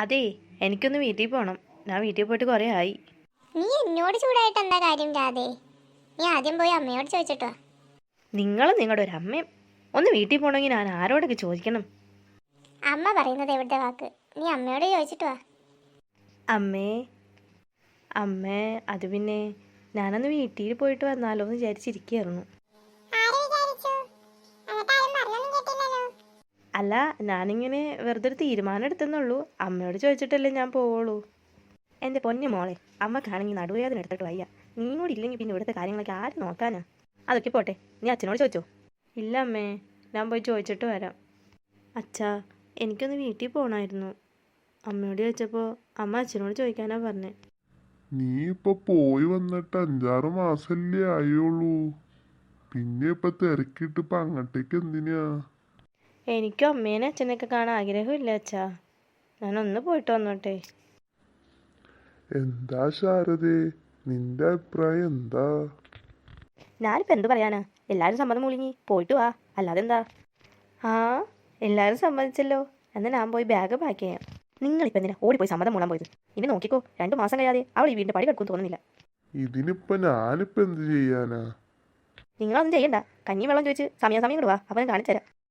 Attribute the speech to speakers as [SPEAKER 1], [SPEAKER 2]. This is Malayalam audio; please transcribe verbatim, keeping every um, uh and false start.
[SPEAKER 1] അതെ, എനിക്കൊന്ന് വീട്ടിൽ പോകണം. ഞാൻ വീട്ടിൽ പോയിട്ട് കുറേ ആയി.
[SPEAKER 2] നീ എന്നോട് ചൂടായിട്ട് എന്താ കാര്യം രാധേ? നീ ആദ്യം പോയി അമ്മയോട് ചോദിച്ചിട്ടോ.
[SPEAKER 1] നിങ്ങളും നിങ്ങളുടെ ഒരു അമ്മയും ഒന്ന് വീട്ടിൽ പോകണമെങ്കിൽ ഞാൻ ആരോടൊക്കെ ചോദിക്കണം?
[SPEAKER 2] അമ്മ പറയുന്നത് എവിടുത്തെ വാക്ക്? നീ അമ്മയോട് ചോദിച്ചിട്ട് വാ.
[SPEAKER 1] അമ്മേ അമ്മേ അത് പിന്നെ ഞാനന്ന് വീട്ടിൽ പോയിട്ട് വന്നാലോ എന്ന് വിചാരിച്ചിരിക്കുകയായിരുന്നു. അല്ല, ഞാനിങ്ങനെ വെറുതെ ഒരു തീരുമാനം എടുത്തെന്നുള്ളൂ. അമ്മയോട് ചോദിച്ചിട്ടല്ലേ ഞാൻ പോവുള്ളൂ. എൻ്റെ പൊന്നു മോളെ, അമ്മക്കാണെങ്കിൽ നടുവേദന എടുത്തിട്ട് വയ്യ. നീ കൂടി ഇല്ലെങ്കിൽ പിന്നെ ഇവിടുത്തെ കാര്യങ്ങളൊക്കെ ആര് നോക്കാനാ? അതൊക്കെ പോട്ടെ, നീ അച്ഛനോട് ചോദിച്ചോ? ഇല്ല അമ്മേ, ഞാൻ പോയി ചോദിച്ചിട്ട് വരാം. അച്ഛാ, എനിക്കൊന്ന് വീട്ടിൽ പോകണമായിരുന്നു. അമ്മയോട് ചോദിച്ചപ്പോൾ അമ്മ അച്ഛനോട് ചോദിക്കാനാ പറഞ്ഞേ.
[SPEAKER 3] നീ ഇപ്പൊ പോയി വന്നിട്ട് അഞ്ചാറ് മാസല്ലേ ആയുള്ളൂ. പിന്നെ ഇപ്പൊ തിരക്കിട്ട് ഇപ്പൊ അങ്ങോട്ടേക്ക് എന്തിനാ?
[SPEAKER 1] എനിക്കും അമ്മേനെ അച്ഛനെയൊക്കെ കാണാൻ ആഗ്രഹമില്ല അച്ഛാ. ഞാനൊന്ന് പോയിട്ട് വന്നോട്ടെ.
[SPEAKER 3] എന്താ ശാരദേ, നിന്റെ അഭിപ്രായം എന്താ?
[SPEAKER 1] ഞാനിപ്പോൾ എന്ത് പറയാനാ? എല്ലാവരും സമ്മതം മൂളിങ്ങി പോയിട്ട് വാ, അല്ലാതെ എന്താ? ആ, എല്ലാവരും സമ്മതിച്ചല്ലോ. എന്നാൽ ഞാൻ പോയി ബാഗ് പാക്ക് ചെയ്യാം. നിങ്ങളിപ്പോൾ എന്തിനാ ഓടിപ്പോയി സമ്മതം മൂളാൻ പോയത്? ഇനി നോക്കിക്കോ, രണ്ടു മാസം കഴിയാതെ അവൾ ഈ വീടിൻ്റെ പടി കിടക്കും തോന്നുന്നില്ല.
[SPEAKER 3] ഇതിനിപ്പൊ ഞാനിപ്പോ എന്ത് ചെയ്യാനാ?
[SPEAKER 1] നിങ്ങളൊന്നും ചെയ്യണ്ട. കഞ്ഞി വെള്ളം ചോദിച്ച് സമയാസമയം ഇടുവാ, അപ്പം ഞാൻ കാണിച്ചു തരാം.